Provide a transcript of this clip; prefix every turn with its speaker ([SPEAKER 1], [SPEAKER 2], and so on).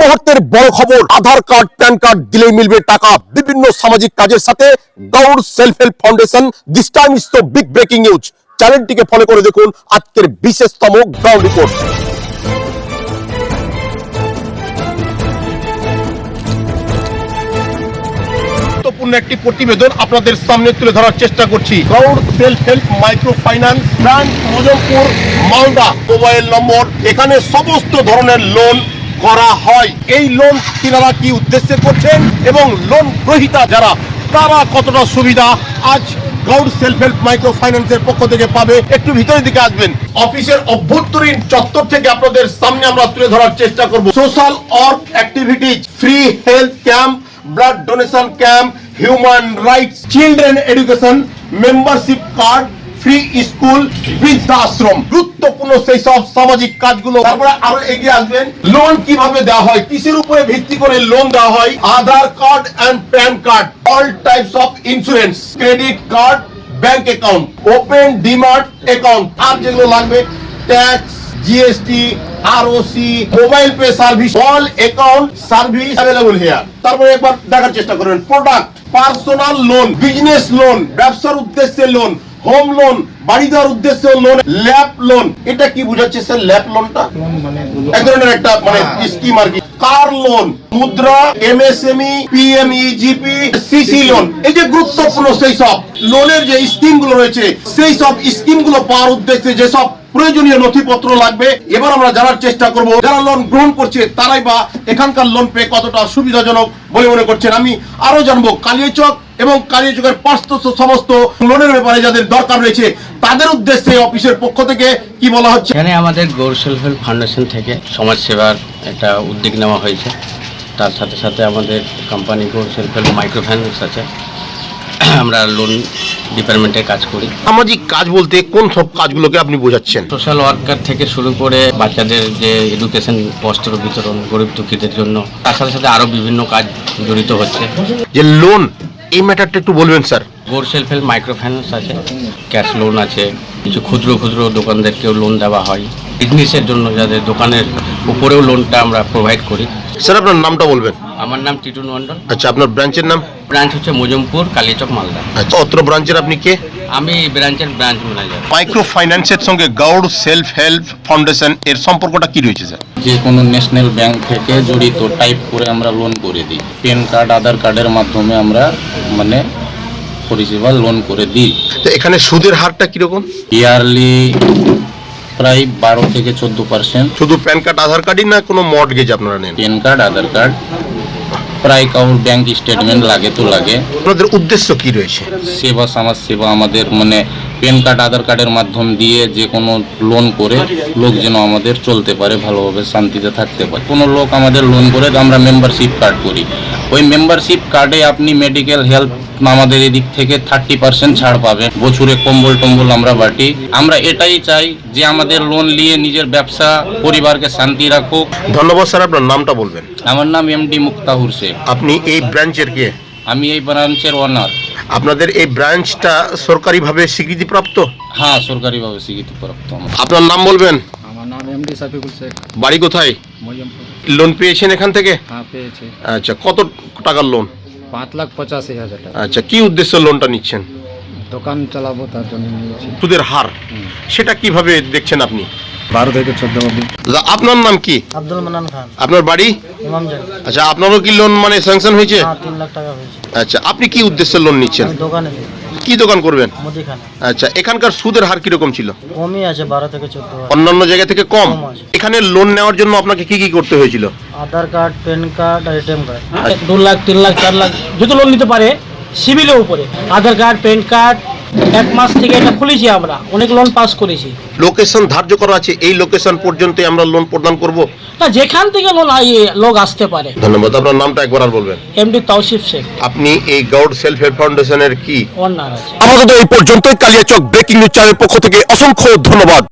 [SPEAKER 1] মুহূর্তের বড় খবর, আধার কার্ড প্যান কার্ড দিলেই মিলবে টাকা। বিভিন্ন সামাজিক কাজের সাথে Gour self help foundation, this time is তো বিগ ব্রেকিং নিউজ। চ্যানেলটিকে ফলো করে দেখুন আজকের বিশেষতম গ্রাউন্ড রিপোর্ট। গুরুত্বপূর্ণ একটি প্রতিবেদন আপনাদের সামনে তুলে ধরার চেষ্টা করছি। Gour self help micro finance branch, Mozampur, Malda. Mobile number, এখানে সমস্ত ধরনের লোন করা হয়। এই লোন কিনারা কি উদ্দেশ্যে করছেন এবং লোন গ্রহীতা যারা, তারা কতটা সুবিধা আজ গৌড় সেলফ হেল্প মাইক্রো ফাইন্যান্সের পক্ষ থেকে পাবে। একটু ভিতরের দিকে আসবেন। অফিসের অভ্যন্তরীণ চত্বর থেকে আপনাদের সামনে আমরা তুলে ধরার চেষ্টা করব social work activities, free health camp, blood donation camp, human rights, children education, membership card, free school, বৃদ্ধাশ্রম, গুরুত্বপূর্ণ সেই সব সামাজিক কাজগুলো। তারপরে আরো এগিয়ে আসবেন, লোন কিভাবে দেওয়া হয়, কিসের উপরে ভিত্তি করে লোন দেওয়া হয়, Aadhaar card and PAN card, all types of insurance, credit card, bank account, open demat account, আর যেগুলো লাগবে tax, GST, ROC, mobile pay service, all account service available here. তারপরে একবার দেখার চেষ্টা করবেন product, personal loan, business loan, ব্যবসার উদ্দেশ্যে লোন, হোম লোন, বাড়ি দেওয়ার উদ্দেশ্যে লোন, ল্যাপ লোন। এটা কি বোঝাচ্ছে স্যার? ল্যাপ লোনটা এক ধরনের একটা মানে স্কিম আর কি। Car loan, Mudra, MSME, PMEGP, CC loan. এই যে গুরুত্বপূর্ণ সেই সব লোনের যে স্কিম গুলো রয়েছে, সেই সব স্কিম গুলো পাওয়ার উদ্দেশ্যে যে সব প্রয়োজনীয় নথিপত্র লাগবে, এবার আমরা জানার চেষ্টা করব যারা লোন গ্রহণ করছে তারাই বা এখানকার লোন পেয়ে কতটা সুবিধাজনক বলে মনে করছেন। আমি আরো জানবো কালিয়াচক এবং কালিয়াচকের পার্শ্বস্থ সমস্ত লোনের ব্যাপারে যাদের দরকার রয়েছে তাদের উদ্দেশ্যে অফিসের পক্ষ থেকে কি বলা হচ্ছে।
[SPEAKER 2] এখানে আমাদের গৌড় সেলফ হেল্প ফাউন্ডেশন থেকে সমাজ সেবার একটা উদ্যোগ নেওয়া হয়েছে। তার সাথে সাথে আমাদের company Gour self help micro finance আছে। আমরা লোন ডিপার্টমেন্টে কাজ করি।
[SPEAKER 1] সামাজিক কাজ বলতে কোন সব কাজগুলোকে আপনি বোঝাচ্ছেন?
[SPEAKER 2] সোশ্যাল ওয়ার্কার থেকে শুরু করে বাচ্চাদের যে এডুকেশন, বস্ত্র বিতরণ গরিব দুঃখীদের জন্য, তার সাথে সাথে আরও বিভিন্ন কাজ জড়িত হচ্ছে।
[SPEAKER 1] যে লোন, এই ম্যাটারটা একটু বলবেন sir.
[SPEAKER 2] Gour self help micro finance আছে, ক্যাশ লোন আছে, কিছু ক্ষুদ্র ক্ষুদ্র দোকানদারকেও লোন দেওয়া হয়, বিজনেসের জন্য যাদের দোকানের উপরেও লোনটা আমরা প্রোভাইড করি।
[SPEAKER 1] স্যার আপনার নামটা বলবেন?
[SPEAKER 2] আমার নাম টিটুন মন্ডল।
[SPEAKER 1] আচ্ছা, আপনার ব্রাঞ্চের নাম?
[SPEAKER 2] ব্রাঞ্চ হচ্ছে মজমপুর, কালিয়াচক, মালদা।
[SPEAKER 1] আচ্ছা, অত্র ব্রাঞ্চের আপনি কে?
[SPEAKER 2] আমি ব্রাঞ্চের ব্রাঞ্চ ম্যানেজার।
[SPEAKER 1] মাইক্রো ফাইন্যান্সের সঙ্গে গৌড় সেলফ হেল্প ফাউন্ডেশন এর সম্পর্কটা কি রয়েছে স্যার?
[SPEAKER 3] যে কোনো ন্যাশনাল ব্যাংক থেকে জড়িত টাইপ করে আমরা লোন করে দিই। প্যান কার্ড, আধার কার্ডের মাধ্যমে আমরা মানে পরিষেবা লোন করে দিই।
[SPEAKER 1] তো এখানে সুদের হারটা কিরকম?
[SPEAKER 3] ইয়ারলি প্রায় 12 থেকে 14%।
[SPEAKER 1] শুধু প্যান কার্ড আধার কার্ডই না কোনো মর্টগেজ আপনারা নেন?
[SPEAKER 3] প্যান কার্ড, আধার কার্ড, প্রায় কাউর ব্যাংক স্টেটমেন্ট লাগে তো লাগে।
[SPEAKER 1] আপনাদের উদ্দেশ্য কি রয়েছে?
[SPEAKER 3] সেবা, সমাজ সেবা। আমাদের মানে প্যান কার্ড, আধার কার্ডের মাধ্যম দিয়ে যে কোনো লোন করে লোক যেন আমাদের চলতে পারে, ভালোভাবে শান্তিতে থাকতে পারে। কোনো লোক আমাদের লোন করে আমরা মেম্বারশিপ কার্ড করি। ওই মেম্বারশিপ কার্ডে আপনি মেডিকেল হেলথ আমাদের এদিক থেকে 30% ছাড় পাবে। বছরে কম্বল টম্বল আমরা বাটি। আমরা এটাই চাই যে আমাদের লোন নিয়ে নিজের ব্যবসা, পরিবারকে শান্তি রাখুক।
[SPEAKER 1] ধন্যবাদ স্যার। আপনার নামটা বলবেন?
[SPEAKER 3] আমার নাম এমডি মুক্তাহুর শেখ।
[SPEAKER 1] আপনি এই ব্রাঞ্চের কে?
[SPEAKER 3] আমি এই ব্রাঞ্চের ওনার।
[SPEAKER 1] আপনাদের এই ব্রাঞ্চটা সরকারিভাবে স্বীকৃতিপ্রাপ্ত?
[SPEAKER 3] হ্যাঁ, সরকারিভাবে স্বীকৃতিপ্রাপ্ত।
[SPEAKER 1] আপনার নাম বলবেন?
[SPEAKER 4] আমার নাম এমডি সাফিকুল শেখ,
[SPEAKER 1] বাড়ি কোথায়?
[SPEAKER 4] মজমপুর।
[SPEAKER 1] লোন পেয়েছেন এখান থেকে?
[SPEAKER 4] হ্যাঁ, পেয়েছি।
[SPEAKER 1] আচ্ছা, কত টাকার লোন?
[SPEAKER 4] 5,85,000 টাকা।
[SPEAKER 1] আচ্ছা, কি উদ্দেশ্যে লোনটা নিচ্ছেন?
[SPEAKER 4] দোকান চালাবো, তার জন্য নিয়েছি।
[SPEAKER 1] সুদের হার সেটা কিভাবে দেখছেন আপনি?
[SPEAKER 4] 12 থেকে 14 অবধি।
[SPEAKER 1] দাদা, আপনার নাম কি?
[SPEAKER 5] আব্দুল মান্নান খান,
[SPEAKER 1] আপনার বাড়ি?
[SPEAKER 5] ইমামজান।
[SPEAKER 1] আচ্ছা, আপনারও কি লোন মানে স্যাংশন হয়েছে?
[SPEAKER 5] হ্যাঁ, 3 লাখ টাকা হয়েছে।
[SPEAKER 1] আচ্ছা, আপনি কি উদ্দেশ্যে লোন নিচ্ছেন?
[SPEAKER 5] আমি দোকানে দিই,
[SPEAKER 1] কি দোকান করবেন?
[SPEAKER 5] মুদিখানা।
[SPEAKER 1] আচ্ছা, এখানকার সুদের হার কিরকম ছিল?
[SPEAKER 5] কমই আছে, 12 থেকে 14।
[SPEAKER 1] অন্যান্য জায়গা থেকে কম?
[SPEAKER 5] কম আছে।
[SPEAKER 1] এখানে লোন নেওয়ার জন্য আপনাকে কি কি করতে হয়েছিল?
[SPEAKER 5] আধার কার্ড, প্যান কার্ড আর এটিএম কার্ড।
[SPEAKER 6] 2 লাখ, 3 লাখ, 4 লাখ যত লোন নিতে পারে সিভিলের উপরে। আধার কার্ড, প্যান কার্ড, 1 মাস থেকে এটা খুলেছি, আমরা অনেক লোন পাস করেছি।
[SPEAKER 1] লোকেশন ধার্য করা আছে, এই লোকেশন পর্যন্তই আমরা লোন প্রদান করব?
[SPEAKER 6] না, যেখান থেকে লোক আসতে পারে।
[SPEAKER 1] ধন্যবাদ। আপনার নামটা একবার আর বলবেন?
[SPEAKER 6] এমডি তাওসিফ শেখ,
[SPEAKER 1] আপনি এই গৌড় সেলফ হেল্প ফাউন্ডেশনের কি
[SPEAKER 6] ওনার আছে।
[SPEAKER 1] আমাদের এই পর্যন্তই। কালিয়াচক ব্রেকিং নিউজ চ্যানেলের পক্ষ থেকে অসংখ্য ধন্যবাদ।